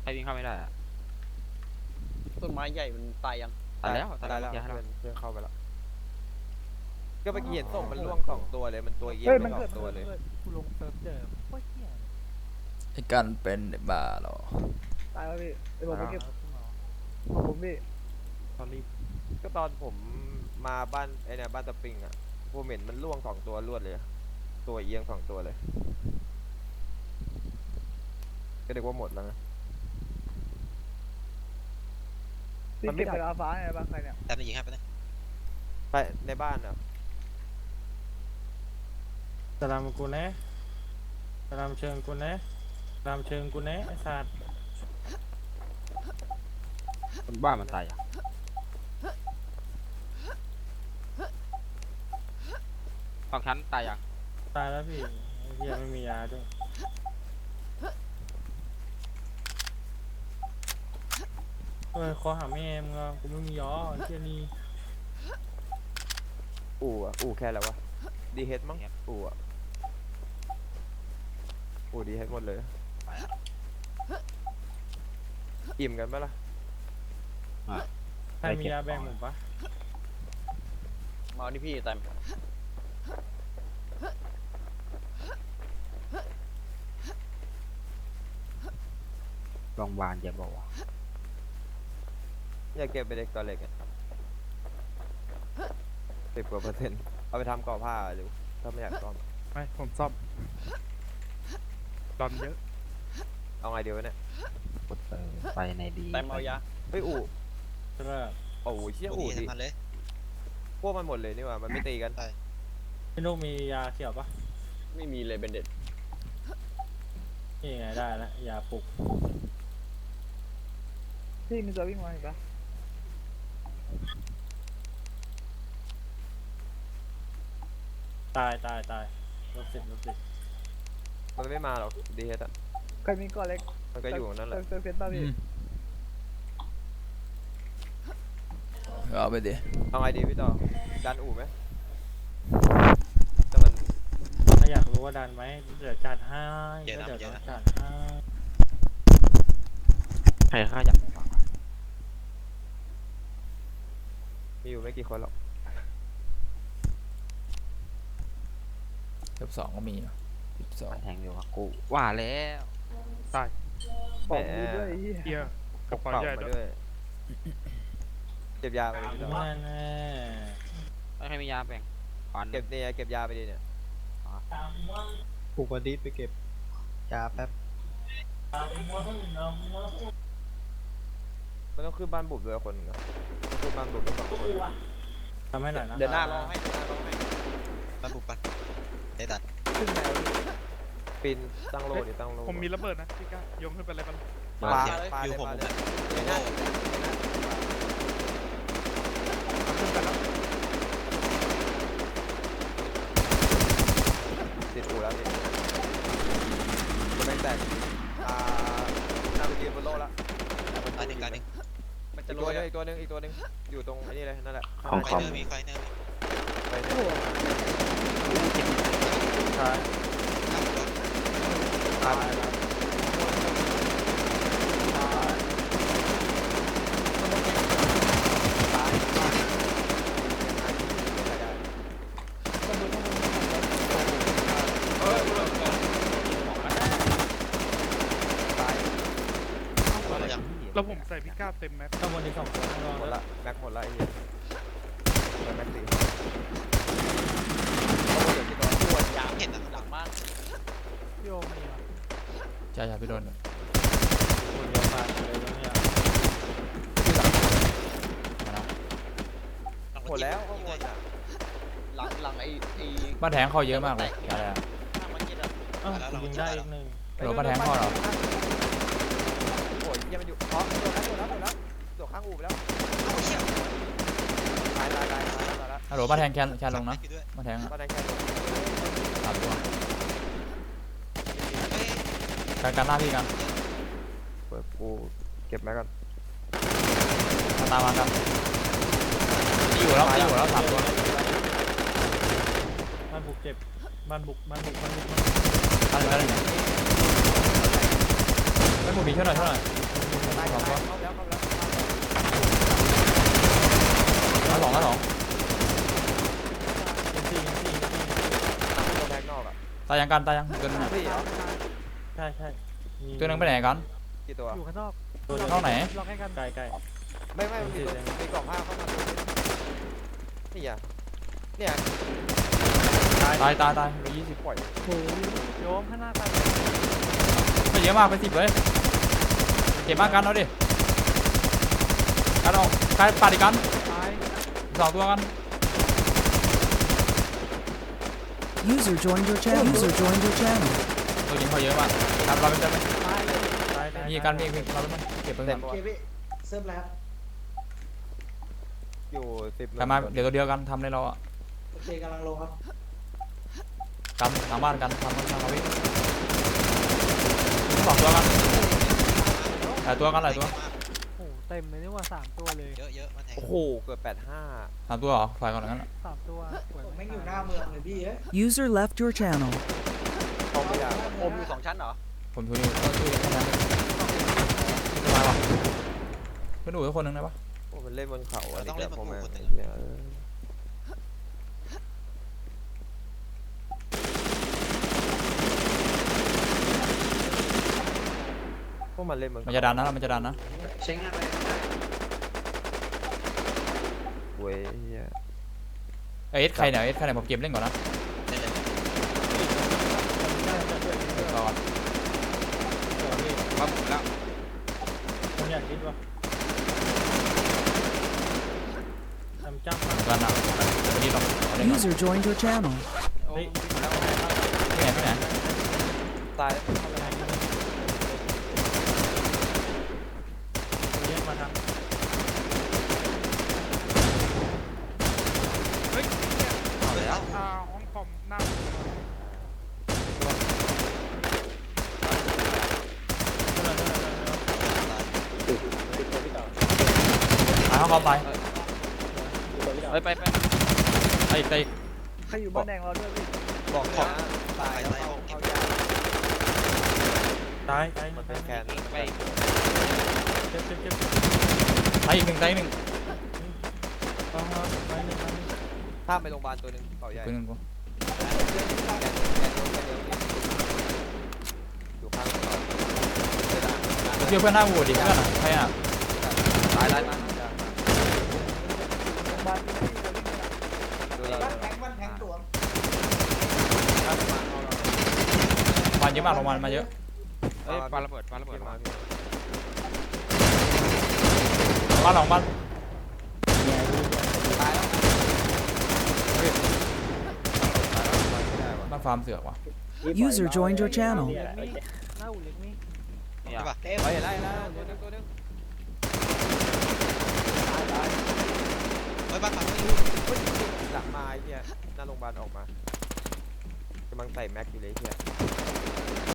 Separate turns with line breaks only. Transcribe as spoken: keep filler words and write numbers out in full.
ใครวิ่งเข้าไม่ได้อะ
ต้นไม้ใหญ่มันตายยัง
ตายแล้วตาย
ตาย
แล้
แล้ว ว
เพื่
เพื่
อ
อน นเพื่อนเข้าไปแล้วก็เมื่อกี้เห็นศพมันล่วงสองตัวเลยมันตัวเยี่ย
เฮ้ย
ม
มัน
สอ
เกิด
งตัวเลย
กูลงเซิร์ฟเจอโคตรเหี้ย
ไอ้กันเป็นบ้าเหรอ
ตายแล้วพี่ไอ้ผมไม่เก็บของผมพี่
ตอนรีบ
ก็ตอนผมมาบ้านไอ้เนี่ยบ้านตะปิงอ่ะผมเห็นมันล่วงสองตัวรวดเลยตัวเอียงสองตัวเลยก็เด็กว่าหมดแล้วนะ
พี่เก็บเวลาฟ้าไงบ้างใครเนี่ย
แต่ไม่ยิงให้ไปเลย
ไปในบ้านอ่ะ
สลามกูนะสลามเชิงกูนะสลามเชิงกูนะไอ้สัตว์
คนบ้ามันตายอ่ะของฉันตายยัง
ตายแล้วพี่ไอ้เหี้ยไม่มียาด้วยเออขอหาแม่มึงอ่ะกูไม่มียอไอ้เหี้ยนี่
อู่อ่ะอู่แค่แล้ววะดีเฮดมั้งอู่อ่ะอู่ดีเฮดหมดเลยอิ่มกันปะล่ะ
ใครมียาแบ่งผมปะ
มาเอาที่พี่แต่
โรงพยาบาลจะบอกว่า
อยากเก็บไปเด็กตัวเล็กอ่ะสิบกว่าเปอร์เซ็นต์เอาไปทำก่อผ้าหรือถ้าไม่อยากซ่อม
ไม่ผมซ่อมดอนเยอะ
เอาไงเดียวะเนี่ย
กดไปในดี
แต่เอายา
เฮ้ยอู่
ใช่ปะ
โอ้โหเชี่ย
กู
อู่
ดี
ดิ
ทำมันเลย
พวกมันหมดเลยนี่หว่ามันไม่ตีกัน
พี่นุ๊กมียาเขียวปะ
ไม่มีเลยเบนเด็ด
นี่ไงได้แล้วยาปลุกพี่มีตัววิ่งมาเห็นปะตายตายตายลบสิบลบสิบ
มันไม่มาหรอกดีเฮดอ่ะ
ใครมีก้อนเล็ก
มันก็อยู่นั่นแหละ
เซิร์ฟเซนต้าพี่
เอาไปดิ
เอาไงดีพี่ต่อดันอู่ไหมแต่มัน
ถ้าอยากรู้ว่าดันไหมเดี๋ยวจัดให้ก็เดี๋ยวต้องจัดให้
ใครฆ่าอยากฟัง
มีอยู่ไม่กี่คนหรอก
สิบสองก็มีสิบสอง
แทงเดียวกับกูว่าแล้ว
บอกดีด้วยไอ้เหี้ย
เฮีย
ก
กั
ระ
บปอ
เป๋า
ใหญ่
มา
ด้วย
ด้วยเก็บยาไปดิพี่ต่อ
แน่แน่
ไม่ให้มียาแบ่งขวาน
เก็บเนี่ยเก็บยาไปดิเนี่ย
ปลุกวันดีไปเก็บยาแป๊บ
มันต้องขึ้นบ้านบุบด้วยคนหนึงอะต้องขึ้นบ้านบุบด้วยสองคน
ทำให้หน่อยนะ
เดินหน้ารอให้เดินหน้ารอให้
บ้านปลุกปันได้ตัด
ขึ้นแนว
ปีนตั้งโลดิตั้งโล
ผมมีระเบิดนะพี่ก้าโยงขึ้นไปเลยมัน
ปลาปลา
อยู่
เลย
ผม
ปลา
ผม
เลย
โอ้โห
ขึ้นไปแล้ว
ติดอู่แล้วนี่จะไม่แตกอ่าน่าไปยืนบนโลแล้ว
ตายหนึ่งตายหนึ่ง
มัน
อี
จะ
ก
โร
ตัวย หนึงอีกตัวหนึงอีกตัวหนึงอยู่ตรงไอ้นี่เลยนั่นแหละ
ไฟเนอร์มีไฟเนอร์มี
ไปเนี่ย
ใช่
ตั้งรถ
ตายแล้ว
เรายัง
แล้วผมใส่พี่ก้าเต็มแม็กซ์
ข้างบนอีกสองคนรอ
หมด
แล้ว
ละแม็กหมดละไอ้เหี้ยแม็กสี่
ปวดยาเห็นหลังบ้าน
พี่โอมีอ่ะ
ใช่ใช่พี่โดน
คนเดียวมาเลยตรงเนี้ย
หมดแล้วข้างบนอ่ะ
หลังหลังไอ้ไอ้
บ้านแทงเข้าเยอะมากเลยอะไรอะ
ข้างมันเย็นอะ
อ้าวกูยิงได้อีกหนึ่ง
โดนบ้านแทงเข้าเหรอ
โอ้ยเหี้ยังมันอยู่อ๋อโดนแล้วโดนแล้วโดนแล้วโดดข้างอู่ไปแล้ว
โอ้เหี้ย
ตายตายตายตายตายแล้ว
ฮัลโหลบ้านแทงแคนแคนลงนะ
ด้วย
บ้านแทงอะ
บ้านแดงแค่ลง
สามตัว
เฮ้ย
การการล่าพี่กัน
เปิดกูเก็บแม็กก่อน
มาตามมากันตีอยู่แล้วตีอยู่แล้วสามตัว
บ้านบุกเจ็บบ้านบุกบ้านบุกบ้านบุก
อะไรอะไรเนี่ยไม่หมูมีช่วยหน่อยช่วยหน่อย
บ
สองตัว
เข้าแล้วเข้าแล้ว
แล้วสองแล้วสอง
เอ็นซีเอ็นซี
ตัวแบกนอกอ่ะ
ตายยังกันตายยังตัวนึงอะ
พี่เหรอ
ใช่ใช่มี
ตัวนึงไปไหนกัน
กี่ตัว
อยู่ข้างนอก
ตัวเดียว
เข้าไหน
ล็อกให้กัน
ไกลไกล
ไม่ไม่มันมีตัวมีกล่องผ้าเข้ามาตัวนึงนี่อ่ะเนี่ย
ตายตายตายตายไปยี่สิบ
ปล่อย
โอ้ยโยมข้างหน้ากัน
ไม่เยอะมากไปสิบเลยเก็บมากกันเอาดิกันออกใครปัดอีกกัน
ตาย
สองตัวกัน
User joined your channel. User joined your channel.
ตัวยิงเขาเยอะมากทำเราเป็นเต็มไหม
ตายเลย
ตายตาย
มีกันมีมีเราเป็นเก็บเพิ่ม
เต็
กั
ม
น
ปะ
โอเคพี่เซิร์ฟแล้ว
อยู่สิบ
ทำมาเดี๋ยวตัวเดียวกันทำในเราอ่ะ
โอเคกำลังลงครับ
กันทางบ้านกันทำกันทำเอาวิ่งสองตัวกันหลายตัวกันหลายตัว
โอ้โหเต็มเลยนี่ว่าสามตัวเลย
เยอะเยอะมันแทง
โอ้โหเกือบแปดห้า
สามตัวเหรอฝ่ายก่อนนั้นอะ
สามตัว
ผมแม่งอยู่หน้าเมืองเลยพี่เอ้ย
User left your channel.
เข้าไม่ได้
อมอยู่สองชั้นเหรอ
ผมช่วยอยู่ช่วยอยู่แค่นั้นสบายว่ะเพื่อนดูทุกคนหนึ่งได้ปะ
โอ้มันเล่นบนเขาอะ
เราต้องเล่นบน
ผม
ภูคนหนึ่ง
เนี่ยเออพวกมันเล่นบน
มันจะดันนะมันจะดันนะ
ใช้งานอะไร
เว้ยเหี้ย
เอ้ยเอสใครเนี่ยเอสใครเนี่ยผมเกมเล่นก่อนนะ
เล่นเลย
เอสก่อน
มาบุกแล้ว
ผมอยากคิดว่าทำจ้ำมา
เหมือนกันนะวันนี้เราเอาเล่นก่อน
User joined your channel.
โอ้ย
ที่ไหนที่ไหน
ตาย
เรียกมาทำ
เฮ้ย
เอาแล้ว
อ่าห้องคอมหน้า
หาเข้าเข้าไป
เฮ้ยไปไป
ไอ้ไอ้
ใครอยู่บ้านแดงเราด้วยพี่
บอกนะตาย
ตาย
เข้า
เก็บ
เข้ายาก
ตายตาย
มัน
ตา
เป็
ย
นแคน
ไป
เจ็บเจ็บเจ็บ
ไอ้อีกหนึ่งไอ้อีกหนึ่ง
ต้องมาไปหนึ่ง
ข้ามไปโรงพยาบาลตัวหนึ่งเขาใหญ่
ปืนหนึ่งกู
แคนแคนแคนเดียวนี่อยู่ข้างเขา
เชื่อเพื่อนหน้าวัวดิเพื่อนอะใครอ่ะ
ตายตายตาย
บ้านนี้
ดูเรา
บ้านแทงบ้านแทงตัว
มันเยอะมากลงมามาเยอะ
เฮ้ยปาระเบิดปาระเบิด
มา
มา
พี่
บ้านหลังบ้าน
ตายแล้วเฮ้ยตายแล้วไปไม่ได้วะ
บ้านฟาร์มเสือกว่ะ
User joined your channel.
เล็กนี่หน้าอู่เล็กนี่
เนี่ย
ใช่ป่ะ
เต็ม
เฮ้ยไล่ไล่ตัวหนึงตัวหนึง
เฮ้ยบ้านฝั่งนี้
หลังมาไอ้เหี้ยหน้าโรงพยาบาลออกมากำลังใส่แม็กอยู่เลยไอ้เหี้ย